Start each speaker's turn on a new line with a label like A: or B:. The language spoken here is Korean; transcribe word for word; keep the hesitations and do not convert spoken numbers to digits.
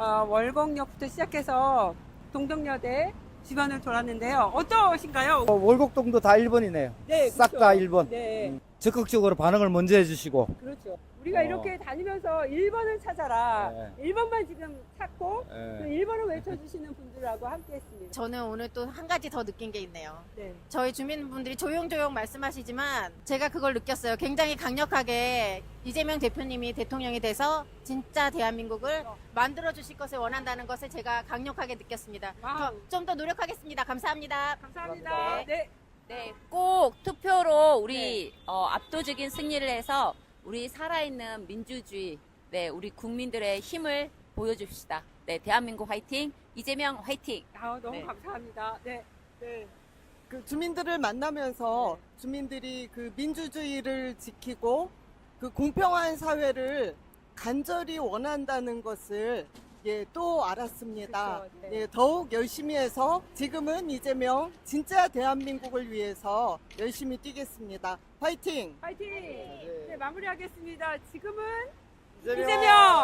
A: 어, 월곡역부터 시작해서 동덕여대 주변을 돌았는데요. 어떠신가요?
B: 어, 월곡동도 다 일 번이네요.
A: 네,
B: 싹 다
A: 그렇죠.
B: 일 번.
A: 네,
B: 음, 적극적으로 반응을 먼저 해주시고.
A: 그렇죠. 우리가
B: 어.
A: 이렇게 다니면서 일 번을 찾아라.
B: 네.
A: 일 번만 지금 찾고
B: 예.
A: 그 일 번을 외쳐주시는 분들하고 함께 했습니다.
C: 저는 오늘 또 한 가지 더 느낀 게 있네요.
A: 네.
C: 저희 주민분들이 조용조용 말씀하시지만 제가 그걸 느꼈어요. 굉장히 강력하게 이재명 대표님이 대통령이 돼서 진짜 대한민국을 만들어 주실 것을 원한다는 것을 제가 강력하게 느꼈습니다.
A: 와우.
C: 좀 더 노력하겠습니다. 감사합니다.
A: 감사합니다.
B: 감사합니다.
A: 네.
D: 네, 꼭 투표로 우리
A: 네.
D: 어, 압도적인 승리를 해서 우리 살아있는 민주주의, 네, 우리 국민들의 힘을 보여줍시다. 네, 대한민국 화이팅, 이재명 화이팅.
A: 아, 너무
D: 네.
A: 감사합니다. 네. 네.
E: 그 주민들을 만나면서 주민들이 그 민주주의를 지키고 그 공평한 사회를 간절히 원한다는 것을 예, 또 알았습니다.
A: 그렇죠, 네.
E: 예, 더욱 열심히 해서 지금은 이재명 진짜 대한민국을 위해서 열심히 뛰겠습니다. 화이팅!
A: 화이팅! 네, 마무리하겠습니다. 지금은
B: 이재명!
A: 이재명!